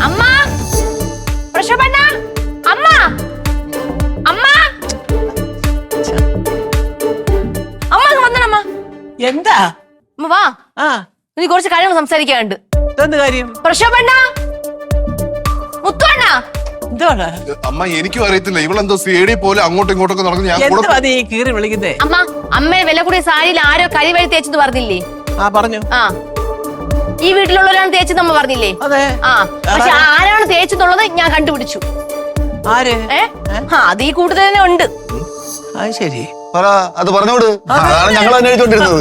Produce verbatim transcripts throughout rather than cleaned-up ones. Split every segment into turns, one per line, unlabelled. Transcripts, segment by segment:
അമ്മ പ്രശോഭന അമ്മ അമ്മ അമ്മ വന്നണമ്മ.
എന്താ
അമ്മ വാ.
ആ
നീ കുറച്ച് കാര്യങ്ങൾ സംസാരിക്കാനുണ്ട്.
എന്ത് കാര്യം?
പ്രശോഭന മുത്തുവണ്ണ.
എന്താണ്
അമ്മ? എനിക്കും അറിയത്തില്ല, ഇവളെന്തോ സേടി പോലെ അങ്ങോട്ടും ഇങ്ങോട്ടൊക്കെ നടക്കുന്നു. ഞാൻ കൂടെ-
എന്തുവാ നീ കീറി വിളിക്കുന്നേ?
അമ്മ അമ്മയെ വില കൂടിയ സാരിയിൽ ആരോ കരിവഴി തേച്ചെന്ന് പറഞ്ഞില്ലേ?
ആ പറഞ്ഞു.
ആ ഈ വീട്ടിലുള്ളവരാണ് തേച്ചെന്ന് അമ്മ പറഞ്ഞില്ലേ?
അതെ.
ആ പക്ഷെ ആരാണ് തേച്ചെന്നുള്ളത് ഞാൻ കണ്ടുപിടിച്ചു.
ആര്?
ഏ ആ അത് ഈ കൂട്ടത്തിൽ തന്നെ ഉണ്ട്.
അത് ശരി.
പറ, അത് പറഞ്ഞോട്. അതാണ് ഞങ്ങൾ അന്വേഷിച്ചോണ്ടിരുന്നത്.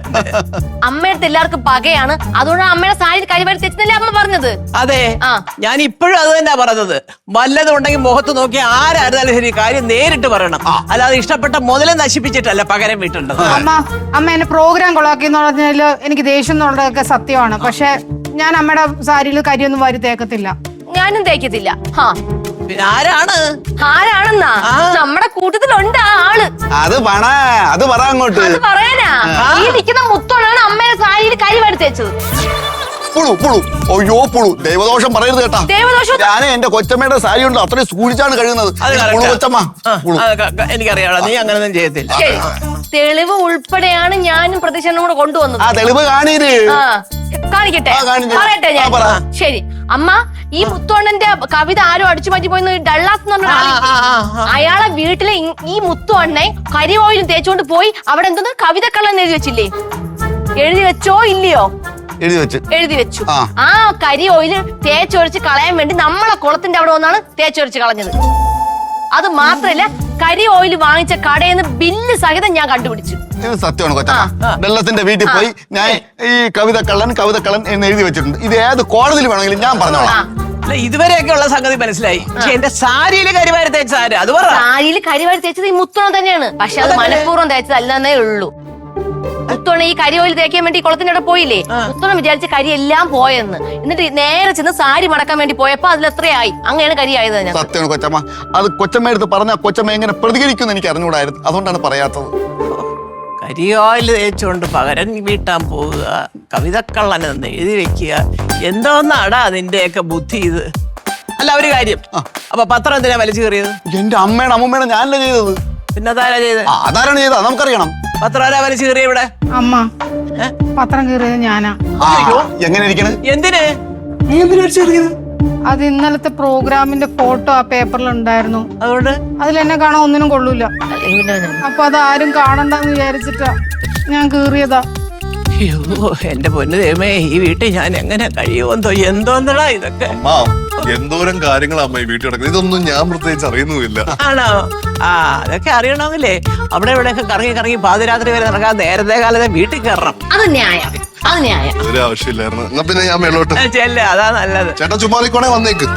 അമ്മയുടെ എല്ലാവർക്കും പകയാണ്, അതുകൊണ്ടാണ് അമ്മയുടെ സാരി കരിവഴി തേച്ചെന്നല്ലേ അമ്മ പറഞ്ഞത്.
അതെ,
ആ
ഞാൻ ഇപ്പോഴും അത് തന്നെ പറഞ്ഞത്. വല്ലതും ഉണ്ടെങ്കിൽ മുഖത്ത് നോക്കി ആരായിരുന്നാലും ശരി കാര്യം നേരിട്ട് പറയണം. അല്ലാതെ ഇഷ്ടപ്പെട്ട മുതലേ നശിപ്പിച്ചിട്ടല്ല പകരം വീട്ടുണ്ടത്.
അമ്മ അമ്മ എന്നെ പ്രോഗ്രാം കൊളാക്കി എന്ന് പറഞ്ഞാല് എനിക്ക് ദേഷ്യം എന്നുള്ളതൊക്കെ സത്യമാണ്. പക്ഷെ ഞാൻ അമ്മയുടെ സാരിയിൽ കരിയൊന്നും വാരി തേക്കത്തില്ല.
ഞാനും തേക്കത്തില്ല. ഹാ
പിന്നെ ആരാണ്?
ആരാണെന്നാ? നമ്മുടെ കൂട്ടത്തിലുണ്ട് ആ ആള്.
അത് പറ, അത് പറ അങ്ങോട്ട്.
അത് പറയാനാ ഈ നിൽക്കുന്ന മുത്തോണാണ് അമ്മയുടെ സാരിയിൽ കരിവഴി തേച്ചത്.
പുളു പുളു അയ്യോ പുളു. ദൈവദോഷം പറയരുത് കേട്ടാ.
ദൈവദോഷം?
ഞാൻ എന്റെ കൊച്ചമ്മയുടെ സാരി കൊണ്ട് അത്രയും സൂക്ഷിച്ചാണ് കഴിയുന്നത്. പുളു കൊച്ചമ്മ. പുളു.
എനിക്കറിയാം, നീ അങ്ങനെയൊന്നും ചെയ്യത്തില്ല.
ശരി, തെളിവ് ഉൾപ്പെടെയാണ് ഞാനും പ്രതീക്ഷനും കൂടെ കൊണ്ടുവന്നത്.
ആ തെളിവ് കാണീര്.
ആ കാണിക്കട്ടെ,
ആ, കാണിച്ചു.
പറയട്ടെ ഞാൻ.
ആ, പറ.
ശരി അമ്മ, ഈ മുത്തോണ്ണന്റെ കവിത ആരും അടിച്ചു മാറ്റി പോയെന്ന് ഡള്ളാസ് എന്ന് പറഞ്ഞ ആളില്ലേ? അയാളെ വീട്ടിലെ ഇ- ഈ മുത്തോണ്ണെ കരി ഓയിലും തേച്ചോണ്ട് പോയി അവിടെ എന്തോന്ന് കവിത കള്ളൻ എഴുതി വെച്ചില്ലേ? എഴുതി വെച്ചോ ഇല്ലയോ?
എഴുതി വെച്ച്.
എഴുതി വെച്ചു.
ആ.
ആ കരി ഓയില് തേച്ചൊഴിച്ച് കളയാൻ വേണ്ടി നമ്മളെ കുളത്തിന്റെ അവിടെ വന്നാണ് തേച്ചൊഴിച്ച് കളഞ്ഞത്. അത് മാത്രല്ല, കരി ഓയിൽ വാങ്ങിച്ച കടയിൽ നിന്ന് ബില്ല് സഹിതം ഞാൻ കണ്ടുപിടിച്ചു.
ഇത് സത്യമാണ് കൊച്ചമ്മ. വെള്ളത്തിന്റെ വീട്ടിൽ പോയി ഞാൻ ഈ കവിത കള്ളൻ കവിത കള്ളൻ എന്ന് എഴുതി വെച്ചിട്ടുണ്ട്. ഇത് ഏത് കോടതിയിൽ വേണമെങ്കിലും ഞാൻ പറഞ്ഞോളാം.
അല്ല, ഇതുവരെയൊക്കെ ഉള്ള സംഗതി മനസ്സിലായി. പക്ഷെ എന്റെ സാരിയില് കരിവാരി തേച്ച സാരി അത് പറ.
സാരിയിൽ കരിവാരി തേച്ചത് ഈ മുത്തോണം തന്നെയാണ്. പക്ഷെ അത് മനഃപൂർവ്വം തേച്ചതല്ലെന്നേ ഉള്ളൂ. മുത്തോണ ഈ കരി ഓയിൽ തേക്കാൻ വേണ്ടി കുളത്തിന്റെ അവിടെ പോയില്ലേ? മുത്തോണം വിചാരിച്ച കരി എല്ലാം പോയെന്ന്. എന്നിട്ട് നേരെ ചെന്ന് സാരി മടക്കാൻ വേണ്ടി പോയപ്പോ അതിൽ എത്രയായി? അങ്ങനെയാണ് കരി ആയത്.
സത്യമാണ് കൊച്ചമ്മ. അത് കൊച്ചമ്മ എടുത്ത് പറഞ്ഞാൽ കൊച്ചമ്മ എങ്ങനെ പ്രതികരിക്കും എനിക്ക് അറിഞ്ഞുകൂടായിരുന്നു. അതുകൊണ്ടാണ് പറയാത്തത്.
കരിയോയിൽ തേച്ചുകൊണ്ട് പകരം വീട്ടാൻ പോവുക, കവിതക്കള്ളനെന്ന് എഴുതി വെക്കുക, എന്തോന്നാടാ നിന്റെയൊക്കെ ബുദ്ധി ഇത്? അല്ല, ഒരു കാര്യം, അപ്പൊ പത്രം എന്തിനാ വലിച്ചു കയറിയത്?
എന്റെ അമ്മയുടെ അമ്മൂമ്മയുടെ ഞാനല്ലേ ചെയ്തത്.
പിന്നെ അതാരാ ചെയ്തത്?
അതാരാണ് ചെയ്തത് നമുക്കറിയണം.
പത്രം ആരാ വലിച്ചു കയറിയ ഇവിടെ?
അമ്മ പത്രം കീറിയത് ഞാനാ.
എങ്ങനെ ഇരിക്കണ്?
എന്തിന്?
നീ എന്തിനാ വലിച്ചു കയറിയത്?
അത് ഇന്നലത്തെ പ്രോഗ്രാമിന്റെ ഫോട്ടോ ആ പേപ്പറിൽ ഉണ്ടായിരുന്നു.
അതുകൊണ്ട്
അതിലെന്നെ കാണാൻ ഒന്നിനും കൊള്ളൂല. അപ്പൊ അത് ആരും കാണണ്ടെന്ന് വിചാരിച്ചിട്ടാ ഞാൻ കീറിയതാ.
അയ്യോ എന്റെ പൊന്നു ദൈവമേ, ഈ വീട്ടിൽ ഞാൻ എങ്ങനെ കഴിയുമെന്തോ. എന്തോന്നടാ ഇതൊക്കെ?
എന്തോരം കാര്യങ്ങളാ അമ്മ ഈ വീട്ടിൽ നടക്കുന്നത്. ഇതൊന്നും ഞാൻ പ്രത്യേകിച്ച് അറിയുന്നുമില്ല.
ആണോ? ആ അതൊക്കെ അറിയണമെങ്കിലേ അവിടെ ഇവിടെയൊക്കെ കറങ്ങി കറങ്ങി പാതിരാത്രി വരെ നടക്കാൻ നേരത്തെ കാലത്തെ വീട്ടിൽ കയറണം.
അത് ന്യായം, അത് ന്യായം.
ഒരു ആവശ്യമില്ലായിരുന്നു. എന്നാ പിന്നെ ഞാൻ മേളോട്ട്
ചെല്ല, അതാ നല്ലത്.
ചേട്ടാ ചുമ്മാതിക്കോണേ വന്നേക്ക്.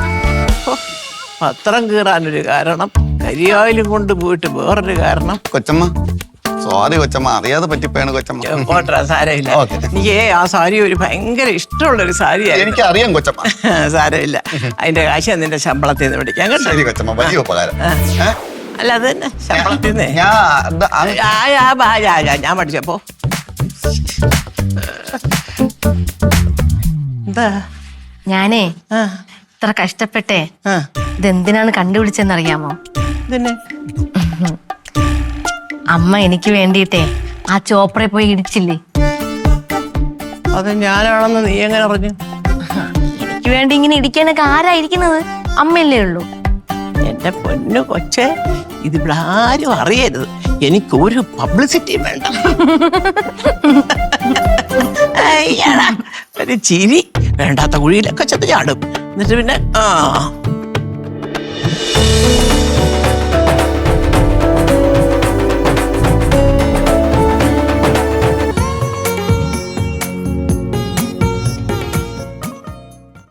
പത്രം കീറാനൊരു കാരണം, കരിയോയിലും കൊണ്ട് പോയിട്ട് വേറൊരു കാരണം.
കൊച്ചമ്മ സോറി കൊച്ചമ്മ, അറിയാതെ പറ്റിപ്പോയാണ് കൊച്ചമ്മ.
പോട്ടാ, സാരമില്ല. എനിക്ക് ആ സാരി ഒരു ഭയങ്കര ഇഷ്ടമുള്ളൊരു സാരിയായിരുന്നു.
എനിക്ക് അറിയാം കൊച്ചമ്മ.
സാരമില്ല, അതിന്റെ കാശ് നിന്റെ ശമ്പളത്തിൽ നിന്ന് പിടിക്കാൻ കേട്ടോ.
ശരി കൊച്ചമ്മ, വലിയ ഉപകാരം.
അല്ല അത് തന്നെ ശമ്പളത്തിൽ നിന്ന് ഞാൻ പഠിച്ചപ്പോ എന്താ
ഞാനേ ഇത്ര കഷ്ടപ്പെട്ടെ ഇതെന്തിനാണ് കണ്ടുപിടിച്ചെന്നറിയാമോ?
ഇതന്നെ
അമ്മ എനിക്ക് വേണ്ടിയിട്ടേ ആ ചോപ്രയിൽ പോയി ഇടിച്ചില്ലേ?
അത് ഞാനാണെന്ന് നീ എങ്ങനെ അറിഞ്ഞു?
എനിക്ക് വേണ്ടി ഇങ്ങനെ ഇടിക്കാനൊക്കെ ആരായിരിക്കുന്നത്? അമ്മയല്ലേ ഉള്ളൂ.
എന്റെ പൊന്നു കൊച്ചെ, ഇതിവിടെ ആരും അറിയരുത്. എനിക്കൊരു പബ്ലിസിറ്റിയും വേണ്ട. ഒരു ചിരി വേണ്ടാത്ത കുഴിയിലൊക്കെ ചെന്ന് ചാടും. എന്നിട്ട് പിന്നെ ആ